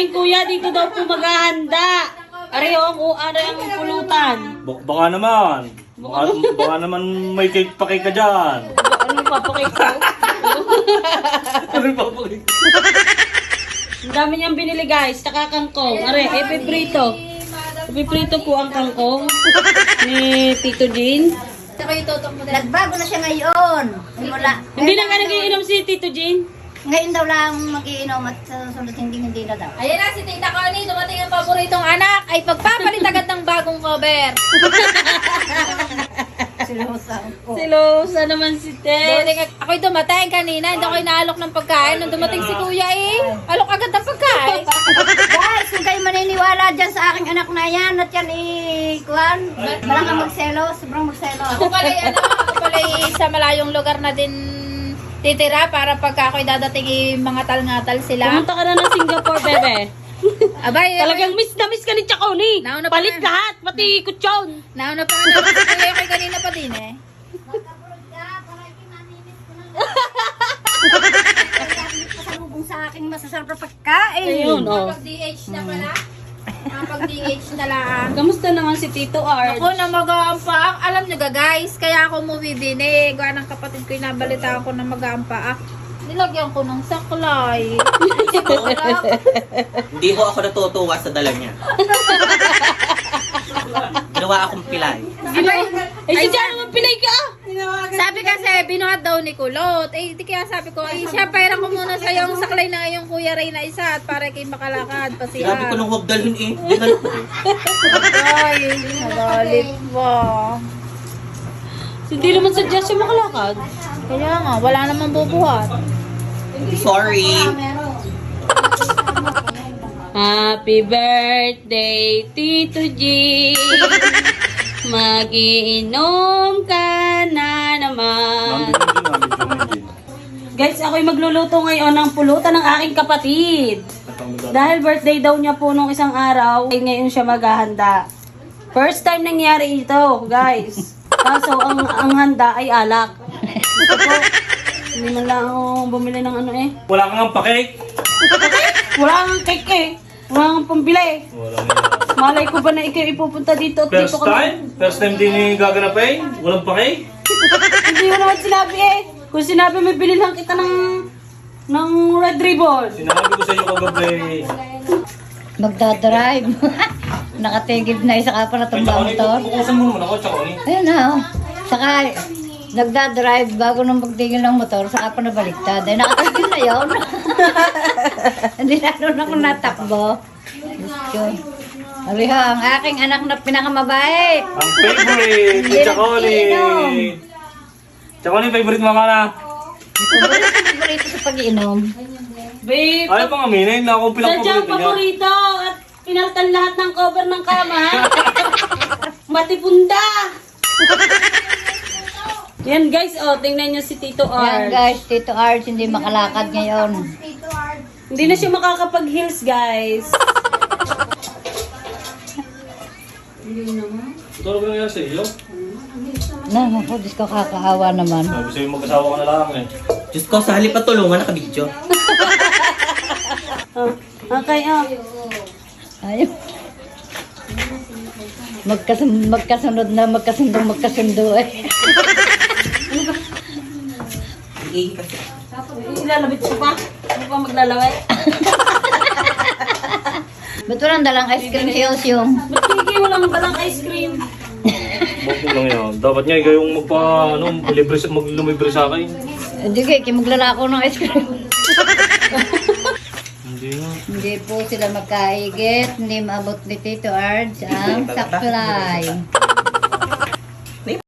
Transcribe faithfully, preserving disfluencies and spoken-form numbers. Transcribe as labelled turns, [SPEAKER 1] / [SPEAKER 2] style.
[SPEAKER 1] aking kuya dito daw po maghahanda. Aray ang ano ang pulutan.
[SPEAKER 2] Bak- Baka naman. Baka, baka naman may cake pa cake ka dyan.
[SPEAKER 1] Ano papakay ko?
[SPEAKER 2] Ano pa pa cake?
[SPEAKER 1] Ang dami niyang binili guys, tsaka kangkong. Aray, epiprito. Epiprito po ang kangkong ni Tito Jean.
[SPEAKER 3] Nagbago na siya ngayon. Simula.
[SPEAKER 1] Hindi na nga nagiinom si Tito Jean.
[SPEAKER 3] Ngayon daw lang mag-iinom at sa susunod hindi hindi na daw.
[SPEAKER 4] Ayan na si Tita Connie, dumating ang paboritong anak ay pagpapalit agad ng bagong cover.
[SPEAKER 3] Silusa ko.
[SPEAKER 1] Silosa naman si Tess.
[SPEAKER 4] Dumating, ako'y dumating kanina, hindi ako inaalok ng pagkain. Nung dumating si Kuya eh, alok agad ng pagkain.
[SPEAKER 3] Guys, kung kayo maniniwala dyan sa aking anak na yan at yan i-kuhan, walang kang magselo, sobrang magselo.
[SPEAKER 4] Ako pala'y ano, ako pala'y sa malayong lugar na din titira para pagka ako'y dadating eh, mga tal-ngatal sila.
[SPEAKER 1] Pumunta ka na ng Singapore, bebe.
[SPEAKER 4] Abay,
[SPEAKER 1] Talagang miss na miss ka ni Chaconi.
[SPEAKER 4] Nauna pa
[SPEAKER 1] Palit
[SPEAKER 4] na.
[SPEAKER 1] lahat, pati kutsyon.
[SPEAKER 4] nauna pa nga naman si Kuya kay kanina pa din eh.
[SPEAKER 3] Pasalubong sa aking masasarap na pagkain.
[SPEAKER 1] Ayun, oh.
[SPEAKER 4] Pag D H na pala. Ah, pag D H na lang.
[SPEAKER 1] Kamusta naman si Tito Art?
[SPEAKER 4] Ako na mag-aampaak. Alam nyo ga guys, kaya ako bumibini. Gawa ng kapatid ko, inabalita ako na mag-aampaak. Nilagyan ko ng saklay.
[SPEAKER 5] Hindi ho ako natutuwa sa dala niya. Ginawa akong pilay.
[SPEAKER 1] Eh, si Jan naman pinay ka.
[SPEAKER 4] Sabi kasi, binuhat daw ni Kulot. Eh, di kaya sabi ko, eh, siya, pairan ko muna sa yung saklay na yung Kuya Ray na isa at para kayo makalakad. Pasihan.
[SPEAKER 5] Sabi ko nung huwag dalhin eh. Dinalo ko eh.
[SPEAKER 4] Ay, nagalit ba?
[SPEAKER 1] Hindi naman sadya siya makalakad.
[SPEAKER 4] Kaya nga, wala namang bubuhat.
[SPEAKER 5] Sorry.
[SPEAKER 1] Happy birthday, Tito G. Magiinom ka na naman. Guys, ako'y magluluto ngayon ng pulutan ng aking kapatid. Dahil birthday daw niya po nung isang araw, ay ngayon siya maghahanda. First time nangyari ito, guys. Kaso ang, ang handa ay alak. Gusto ko, hindi man lang ako bumili ng ano eh.
[SPEAKER 2] Wala kang ang pa-cake?
[SPEAKER 1] Wala kang cake eh. Wala kang pambili.
[SPEAKER 2] Wala nga.
[SPEAKER 1] Malay ko ba na ikaw ipupunta dito at
[SPEAKER 2] First
[SPEAKER 1] dito ka?
[SPEAKER 2] time? First time din ni gaganapin? Walang pa-cake?
[SPEAKER 1] Hindi mo naman sinabi eh. Kung sinabi may bilhin kita ng ng red ribbon.
[SPEAKER 2] Sinabi ko sa iyo kagabi.
[SPEAKER 3] Magdadrive. Nakatigib na isa ka pa na
[SPEAKER 2] Ay,
[SPEAKER 3] tumba
[SPEAKER 2] Chaconi,
[SPEAKER 3] motor.
[SPEAKER 2] bukusan mo naman ako, Chaconi.
[SPEAKER 3] Ayun na, oh. Saka, nagdadrive bago nung magtigil ng motor, saka pa nabaliktad. Ay, nakatigil na yun. Hindi na doon ako natakbo. Diyos ko. Aliho, ang aking anak na pinakamabait.
[SPEAKER 2] Ang favorite ni Chaconi. Chaconi, favorite mo ka na?
[SPEAKER 3] Paborito paborito sa pag-iinom.
[SPEAKER 1] Babe,
[SPEAKER 2] Ayaw pang aminin na akong
[SPEAKER 1] sadyang
[SPEAKER 2] pinang-favorite niya.
[SPEAKER 1] paborito at pinaltan lahat ng cover ng kama. Matipunda. Yan guys, oh, tingnan nyo si Tito
[SPEAKER 3] Yan
[SPEAKER 1] Art.
[SPEAKER 3] guys, Tito Arch hindi makalakad ngayon.
[SPEAKER 1] Hindi na siya makakapag-heels guys.
[SPEAKER 2] Ito ano ba nangyari sa iyo?
[SPEAKER 3] Na, ako, Diyos ko, kakaawa naman.
[SPEAKER 2] Sabi sa'yo mag-asawa ka na lang eh.
[SPEAKER 5] Diyos ko, sa halip at tulungan, nakabidyo.
[SPEAKER 1] Oh, okay, oh.
[SPEAKER 3] Ayaw. Magkasun magkasunod na, magkasundo, magkasundo eh.
[SPEAKER 5] Iihi kasi.
[SPEAKER 1] Ilalabit ko pa. Ano pa maglalaway?
[SPEAKER 3] Ba't walang dalang ice cream si Osyong?
[SPEAKER 1] Ba't hindi walang balang ice cream?
[SPEAKER 2] Bakit lang yan? Dapat nga ikaw yung magpa, ano, libre, sa- maglumibre sa akin.
[SPEAKER 3] Hindi kay, maglalako ng ice cream.
[SPEAKER 2] Hindi nga.
[SPEAKER 3] Hindi po sila magkaigit, hindi maabot ni Tito Arch ang saklay.